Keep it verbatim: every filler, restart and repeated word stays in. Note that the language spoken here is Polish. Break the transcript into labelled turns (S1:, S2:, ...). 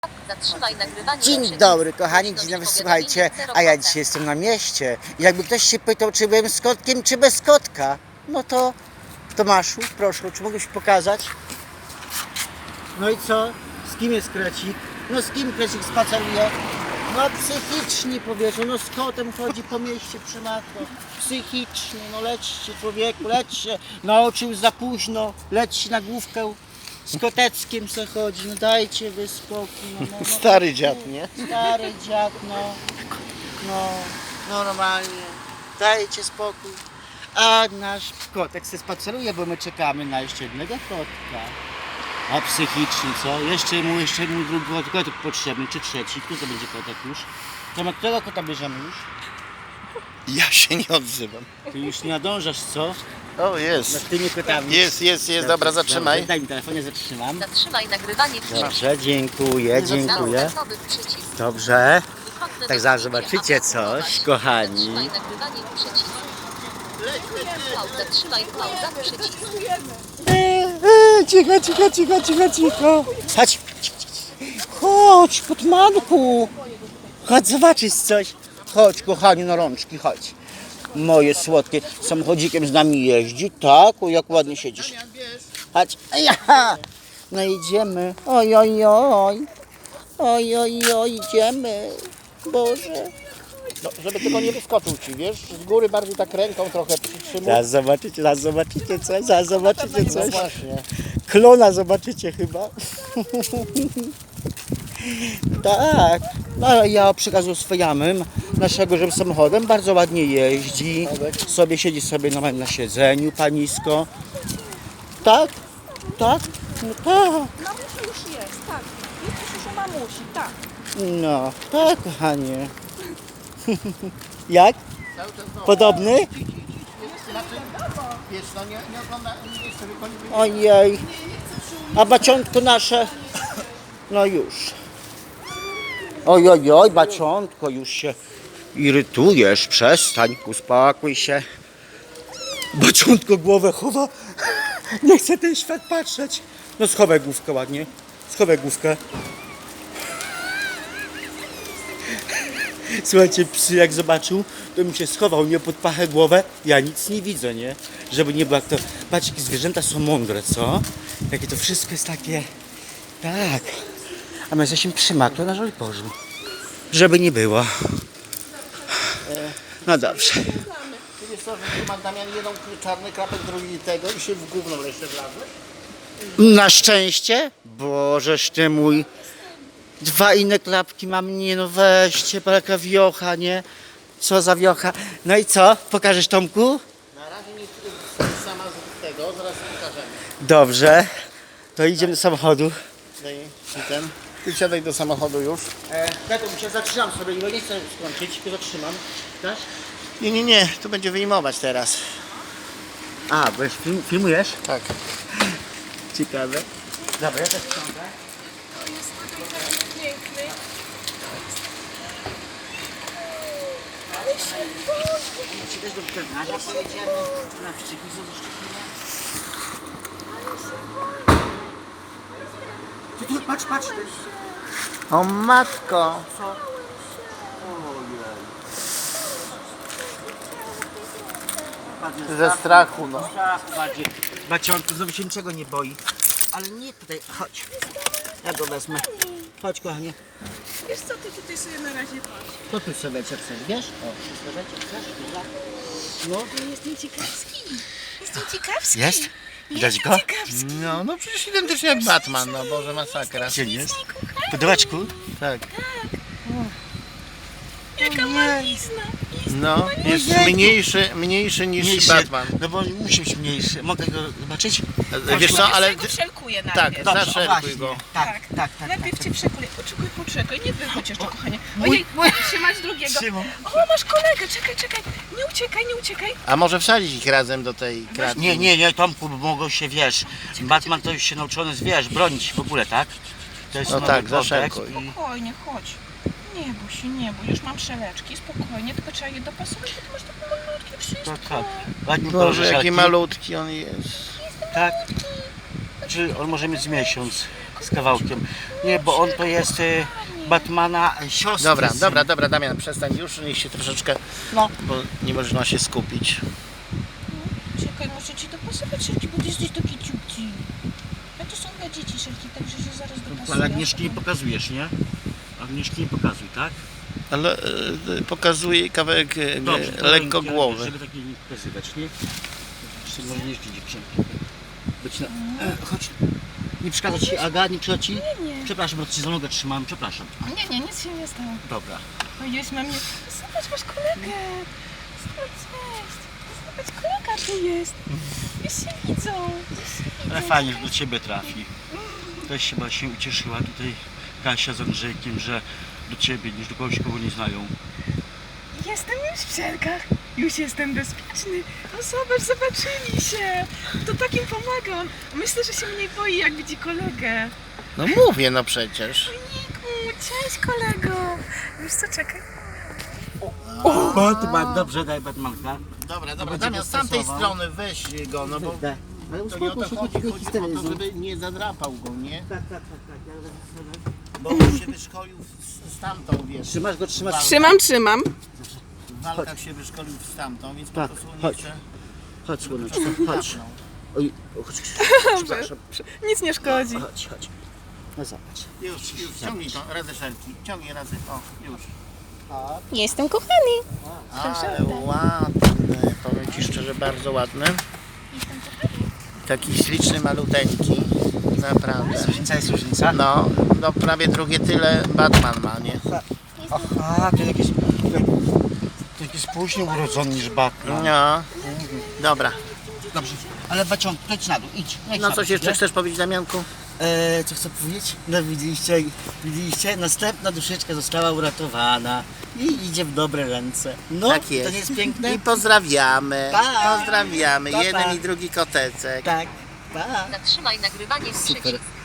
S1: Zatrzymaj nagrywanie.
S2: Dzień dobry kochani, dzień dobry, słuchajcie, a ja dzisiaj jestem na mieście. Jakby ktoś się pytał, czy byłem z kotkiem, czy bez kotka, no to Tomaszu, proszę, czy mógłbyś pokazać? No i co? Z kim jest Krecik? No z kim Krecik spaceruje? No psychicznie powiedzą, no z kotem chodzi po mieście przy matko. Psychicznie, no lećcie człowieku, lećcie. Nauczył za późno, leć na główkę. Z koteckiem se chodzi, no dajcie wy spokój. No, no, no.
S3: Stary dziad, nie?
S2: Stary dziad, no. No, normalnie. Dajcie spokój. A nasz kotek se spaceruje, bo my czekamy na jeszcze jednego kotka. A psychicznie co? Jeszcze mu, jeszcze mu drugi kotek potrzebny, czy trzeci? Który to będzie kotek już? To ma którego kota bierzemy już?
S3: Ja się nie odzywam.
S2: Ty już nie nadążasz, co?
S3: O,
S2: Nad
S3: jest.
S2: tymi kotami.
S3: Jest, jest, jest. Dobra, zatrzymaj.
S2: Dobrze, daj mi telefon, ja zatrzymam.
S1: Zatrzymaj nagrywanie filmu.
S2: Dobrze, dziękuję, dziękuję.
S1: Standardowy przycisk.
S2: Dobrze.
S1: Wychodne
S2: Tak
S1: do
S2: zaraz
S1: filmu,
S2: zobaczycie
S1: aby
S2: coś,
S1: zatrzymać.
S2: kochani.
S1: Zatrzymaj nagrywanie przycisk. Pauza, trzymaj pauza przycisk.
S2: Eee, cicho, cicho, cicho, cicho, cicho. Chodź, chodź, Kotmanku. Chodź zobaczyć coś. Chodź, kochani, na rączki, chodź. Moje słodkie, samochodzikiem z nami jeździ, tak? O, jak ładnie siedzisz. Chodź, ja. No idziemy. Oj, oj, oj. Oj, oj, oj, idziemy. Boże.
S3: No, żeby tylko nie wyskoczył ci, wiesz? Z góry bardziej tak ręką trochę przytrzymał.
S2: Zaraz zobaczycie, zaraz zobaczycie coś, zaraz zobaczycie
S3: No
S2: coś.
S3: właśnie.
S2: Klona zobaczycie chyba. Tak. No ale ja przekazuję swojamym naszego, że samochodem bardzo ładnie jeździ. Sobie siedzi sobie na, na siedzeniu panisko. Tak? Tak? No tak.
S4: Mamusi już jest, tak. Jest już u mamusi, tak.
S2: No, tak kochanie. Jak? Podobny?
S3: Wiesz, no nie, nie ogląda, nie sobie koni.
S2: Ojej. A baciątko nasze? No już. Oj, oj, oj, baciątko, już się irytujesz. Przestań, uspokój się. Baciątko głowę chowa. Nie chce ten świat patrzeć. No schowaj główkę ładnie. Schowaj główkę. Słuchajcie, psy jak zobaczył, to mi się schował, nie pod pachę głowę. Ja nic nie widzę, nie? Żeby nie było jak to... Patrz, jakie zwierzęta są mądre, co? Jakie to wszystko jest takie... Tak. A my jesteśmy przymakle na żoliborzu. Żeby nie było. No dobrze.
S3: Ty wiesz co, że tu ma Damian jeden czarny krapek, drugi tego i się w gówno jeszcze wlazłeś?
S2: Na szczęście? Bożeż ty mój. Dwa inne klapki mam, nie no weźcie, jaka wiocha, nie? Co za wiocha. No i co? Pokażesz Tomku?
S3: Na razie nie sama z tego, zaraz pokażemy.
S2: Dobrze. To idziemy do samochodu.
S3: Daj ci ten. Ty siadaj do samochodu już.
S2: E, Tato, się zatrzymam sobie, bo nie chcę skończyć, tylko zatrzymam. Dasz?
S3: Nie, nie, nie, to będzie wyjmować teraz.
S2: A, bo już film, filmujesz?
S3: Tak.
S2: Ciekawe. Dobra, ja też sprzątam.
S4: Piękny.
S2: Ci też do weterynarza pojedziemy, na wścieknicę do szczepienia. Ty tu, patrz, patrz.
S3: O matko.
S2: Co? Ojej.
S3: Ze strachu, no.
S2: Strach bardziej. Baciątku, znowu się niczego nie boi. Ale nie tutaj, chodź. Ja go wezmę. Chodź, kochanie.
S4: Wiesz co, ty tutaj sobie na razie patrz.
S2: To tu sobie chcesz, wiesz? O, wszystko wiecie, chcesz? Dobra. No.
S4: Jestem ciekawski. Jestem ciekawski.
S2: Jest? Widać go?
S4: Ciekawski.
S3: No, no przecież identycznie jak Batman, no Boże, masakra.
S2: Gdzie jest? Podobaczku?
S3: Tak.
S4: Jaka malizna.
S3: No, jest
S2: Ojejku.
S3: mniejszy, mniejszy niż
S2: Mniejszy.
S3: Batman.
S2: No bo musi być mniejszy. Mogę go zobaczyć?
S3: Wiesz co, ale...
S4: Ja go wszelkuję
S3: Tak,
S4: najpierw.
S2: Dobrze, o
S3: zaszerkuj
S2: właśnie.
S3: go.
S2: Tak,
S4: Tak.
S2: tak, tak.
S4: Najpierw
S2: tak,
S4: cię przekuję. Poczekaj, poczekaj. Nie wychodź jeszcze, kochanie.
S2: mój-
S4: Ojej,
S2: mój-
S4: trzymać drugiego.
S2: Trzymam.
S4: O, masz kolegę. Czekaj, czekaj. Nie uciekaj, nie uciekaj.
S3: A może wsadzić ich razem do tej kratki?
S2: Nie, nie, nie, Tomku, bo mogą się, wiesz, Batman to już się nauczony, wiesz, bronić w ogóle, tak? To jest
S3: No
S2: nowy
S3: tak,
S2: kodeks
S3: zaszerkuj.
S2: i-
S4: Spokojnie, chodź. Nie bój się, nie bój. Już mam szeleczki. Spokojnie, tylko trzeba je dopasować, bo ty masz takie malutkie wszystko.
S2: Tak, tak. Ładnie
S3: Boże,
S2: kolorze
S3: jaki
S2: żelki.
S3: malutki on jest.
S2: Tak. Czy on może mieć z miesiąc? z kawałkiem. Nie, bo on to jest y, Batmana y, siostry.
S3: Dobra,
S2: syn.
S3: dobra, dobra, Damian, przestań już, niech się troszeczkę,
S2: No.
S3: bo nie można się skupić.
S4: Czekaj, muszę ci dopasować szelki, bo ty jesteś taki ciupci. A to są dla dzieci szelki, także się zaraz dopasuję.
S2: Ale Agnieszki nie pokazujesz, nie? Agnieszki nie pokazuj, tak?
S3: Ale e, pokazuje kawałek e,
S2: Dobrze, to
S3: lekko
S2: rękę,
S3: głowy.
S2: Żeby tak nie pokazywać, nie? Szczególniejsze dziewczynki. Być na... E, chodź. Nie przeszkadza ci, Aga? Nie przeszkadza ci?
S4: Nie, nie.
S2: Przepraszam, bo ci za nogę trzymam, przepraszam.
S4: Nie, nie, nic się nie stało.
S2: Dobra.
S4: O, jest na mnie. Zobacz, masz kolegę. Zobacz, cześć. Zobacz, kolega tu jest. Już się widzą. Już się widzą.
S2: Ale fajnie, że do ciebie trafi. Też chyba się ucieszyła tutaj Kasia z Andrzejkiem, że do ciebie niż do kogoś, kogo nie znają.
S4: Jestem już w szelkach. Już jestem bezpieczny. No zobacz, zobaczyli się. To takim pomaga. On myślę, że się mniej boi, jak widzi kolegę.
S3: No mówię, no przecież.
S4: Niku, cześć kolego. Wiesz co, czekaj.
S2: O, Batman, dobrze, daj Batmanka.
S3: Dobra, dobra,
S2: będzie
S3: Damian, z tamtej
S2: dostosował.
S3: strony weź go, no bo
S2: Daj. Ale
S3: to nie o
S2: uspokój
S3: to
S2: się,
S3: chodzi,
S2: chodzi,
S3: chodzi
S2: chodzi
S3: o to,
S2: telewizor.
S3: żeby nie zadrapał go, nie?
S2: Tak, tak, tak, tak. Ja będę-
S3: Bo on się wyszkolił z, z tamtą, wiesz.
S2: Trzymasz go, trzymasz.
S4: Trzymam, trzymam.
S3: W walkach się wyszkolił z tamtą, więc po
S2: Tak,
S3: prostu nie
S2: chodź.
S3: chce.
S2: Chodź, słoneczko,
S3: żeby
S2: chodź.
S3: drapnął.
S2: Oj, chodź, przepraszam.
S4: Nic nie szkodzi.
S2: Chodź, chodź. No zobacz.
S3: Już, już, ciągnij to, razy szelki. Ciągnij razy, o, już.
S4: Jestem kochany.
S3: Ale ładny, powiem Ci szczerze, bardzo ładny. Taki śliczny, maluteńki, naprawdę.
S2: Różnica jest różnica.
S3: No, no prawie drugie tyle Batman ma, nie?
S2: Aha, to jakieś... To jakieś później urodzony niż Batman.
S3: No, dobra.
S2: Dobrze, ale Baciąg, leć na dół, idź. Leć
S3: No
S2: na
S3: coś
S2: dół,
S3: jeszcze
S2: nie?
S3: chcesz powiedzieć, Damianku?
S2: Eee, co chcę powiedzieć? No widzieliście, widzieliście, następna duszeczka została uratowana i idzie w dobre ręce. No,
S3: Tak
S2: to
S3: jest.
S2: nie jest piękne?
S3: I pozdrawiamy,
S2: Pa.
S3: pozdrawiamy,
S2: Pa, pa.
S3: jeden i drugi kotecek.
S2: Tak, pa.
S1: Zatrzymaj nagrywanie w
S2: Super.
S1: przycisk.